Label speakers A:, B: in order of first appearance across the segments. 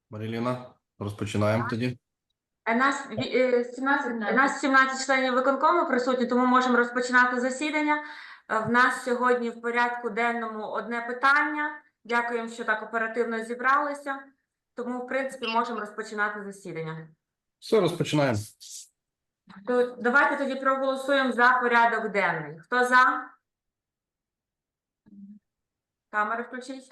A: Маріліна, розпочинаємо тоді.
B: Нас 17 членів виконкому присутні, тому можемо розпочинати засідання. В нас сьогодні в порядку денному одне питання. Дякуємо, що так оперативно зібралися. Тому, в принципі, можемо розпочинати засідання.
A: Все, розпочинаємо.
B: Давайте тоді проголосуємо за порядок денний. Хто за? Камери включіть.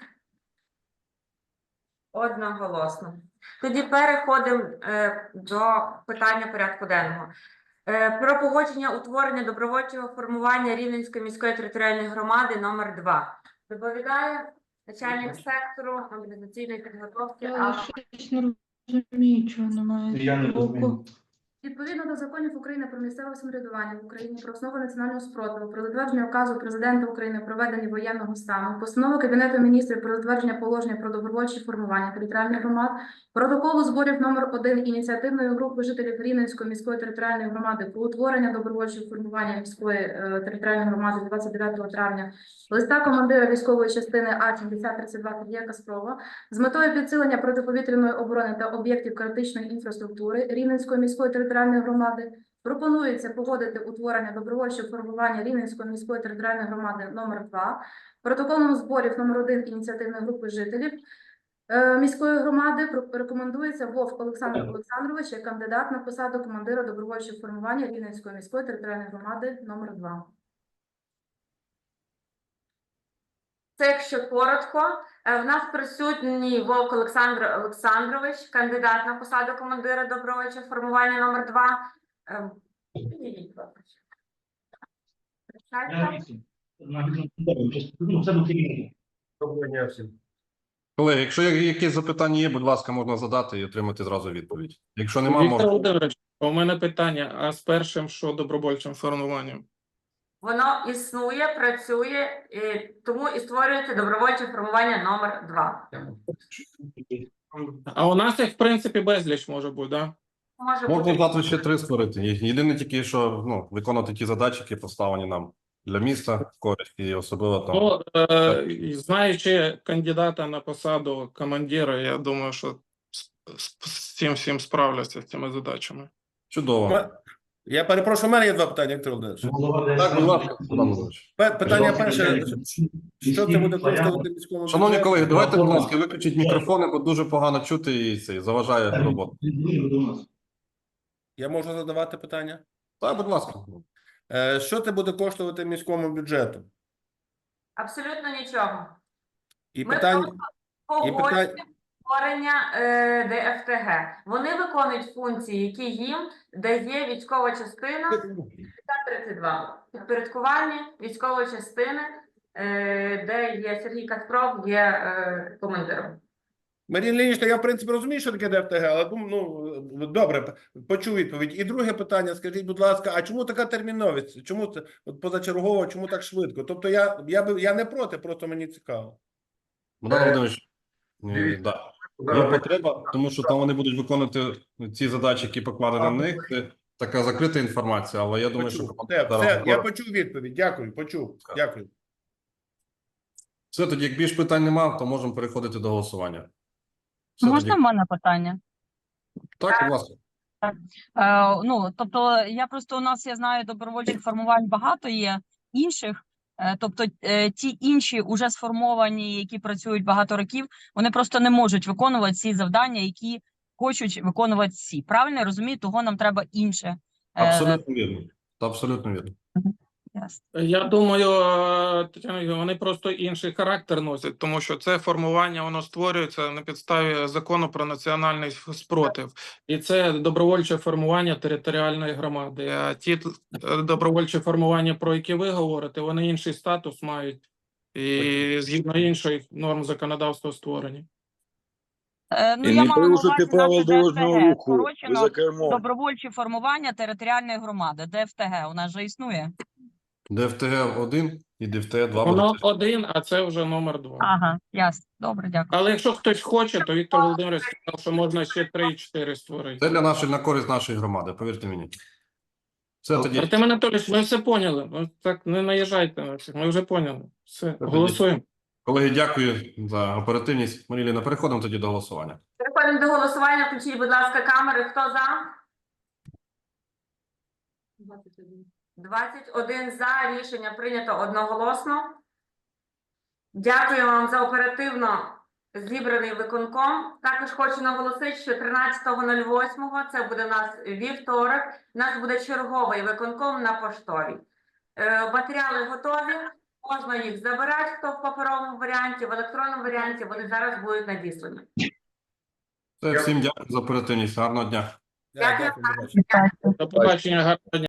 B: Одноголосно. Тоді переходимо до питання порядку денного. Про погодження утворення добровольчого формування Рівненської міської територіальної громади номер 2. Доповідає начальник сектору мобілізаційної підготовки.
C: Я щось не розумію, чого немає.
D: Я не розумію.
C: Відповідно до законів України про місцеве самоврядування в Україні, про основи національного спротиву, про затвердження указу Президента України про введення воєнного стану, постанови Кабінету міністрів про затвердження положення про добровольчі формування територіальних громад, протоколу зборів номер 1 ініціативної групи жителів Рівненської міської територіальної громади про утворення добровольчого формування міської територіальної громади 29 травня, листа командира військової частини А-7032 Сергія Каспрова з метою підсилення протиповітряної оборони та об'єктів критичної інфраструктури Рівненської міської територіальної громади пропонується погодити утворення добровольчого формування Рівненської міської територіальної громади номер 2, протоколом зборів номер 1 ініціативної групи жителів міської громади рекомендується Вовк Олександр Олександрович як кандидат на посаду командира добровольчого формування Рівненської міської територіальної громади номер 2.
B: Це, якщо коротко, в нас присутній Вовк Олександр Олександрович, кандидат на посаду командира добровольчого формування номер 2.
A: Колеги, якщо якісь запитання є, будь ласка, можна задати і отримати зразу відповідь. Якщо немає,
D: Віктор
A: можна...
D: Володимирович, у мене питання, а з першим що добровольчим формуванням?
B: Воно існує, працює, тому і створюється добровольче формування номер 2.
D: А у нас їх, в принципі, безліч може бути, так? Да?
B: Може
A: Можна
B: бути.
A: завтра ще 3 створити. Єдине тільки, що виконати ті задачі, які поставлені нам для міста, в користь і особливо там.
D: Ну, знаючи кандидата на посаду командира, я думаю, що з цим всім справляться, з цими задачами.
A: Чудово.
E: Я перепрошую, у мене є 2 питання, Віктор Володимирович.
A: Так, будь ласка, Богдан Володимирович.
E: Питання перше, що це буде коштувати міському
A: Шановні
E: бюджету?
A: колеги, давайте, будь ласка, виключіть мікрофони, бо дуже погано чути і це заважає роботу.
E: Я можу задавати питання?
A: Так, будь ласка.
E: Що це буде коштувати міському бюджету?
B: Абсолютно нічого.
E: І
B: Ми
E: питання...
B: погоджуємо створення ДФТГ. Вони виконують функції, які їм дає військова частина 32. Підпорядкування військової частини, де є Сергій Каспров, є командиром.
E: Марія Леонідовна, я в принципі розумію, що таке ДФТГ, але добре, почув відповідь. І друге питання, скажіть, будь ласка, а чому така терміновість? Чому це позачергово, чому так швидко? Тобто я не проти, просто мені цікаво.
A: Богдан Володимирович, да. Є потреба, тому що там вони будуть виконувати ці задачі, які покладені на них. Це така закрита інформація, але я думаю, що...
E: Все, я почув відповідь. Дякую, почув. Дякую.
A: Все, тоді, як більш питань немає, то можемо переходити до голосування. Все,
F: Можна
A: тоді...
F: в мене питання?
A: Так, будь ласка.
F: Тобто, я просто у нас, я знаю, добровольчих формувань багато є інших, тобто ті інші уже сформовані, які працюють багато років, вони просто не можуть виконувати ці завдання, які хочуть виконувати ці. Правильно я розумію, того нам треба інше.
A: Абсолютно вірно. Абсолютно вірно.
D: Я думаю, Тетяна, вони просто інший характер носять, тому що це формування, воно створюється на підставі закону про національний спротив. І це добровольче формування територіальної громади. А ті добровольчі формування, про які ви говорите, вони інший статус мають і згідно інших норм законодавства створені.
F: Ну, я мала на увазі наше ДФТГ, скорочено добровольчі формування територіальної громади, ДФТГ, у нас же існує.
A: ДФТГ 1 і ДФТГ 2.
D: Воно 1, а це вже номер 2.
F: Ага, ясно. Добре, дякую.
D: Але якщо хтось хоче, то Віктор Володимирович сказав, що можна ще 3 і 4 створити.
A: Це на користь нашої громади, повірте мені. Все тоді.
D: Артем Анатолійович, ми все поняли. Ну, так не наїжджайте на всіх, ми вже поняли. Все, голосуємо.
A: Колеги, дякую за оперативність. Маріліна, переходимо тоді до голосування.
B: Переходимо переходимо до голосування. Включіть, будь ласка, камери. Хто за? 21 за. Рішення прийнято одноголосно. Дякую вам за оперативно зібраний виконком. Також хочу наголосити, що 13.08, це буде у нас вівторок, у нас буде черговий виконком на поштовій. Матеріали готові, можна їх забирати, хто в паперовому варіанті, в електронному варіанті, вони зараз будуть надіслані.
A: Всім дякую за оперативність. Гарного дня.
B: Дякую.
E: Дякую.
D: До побачення, гарного дня.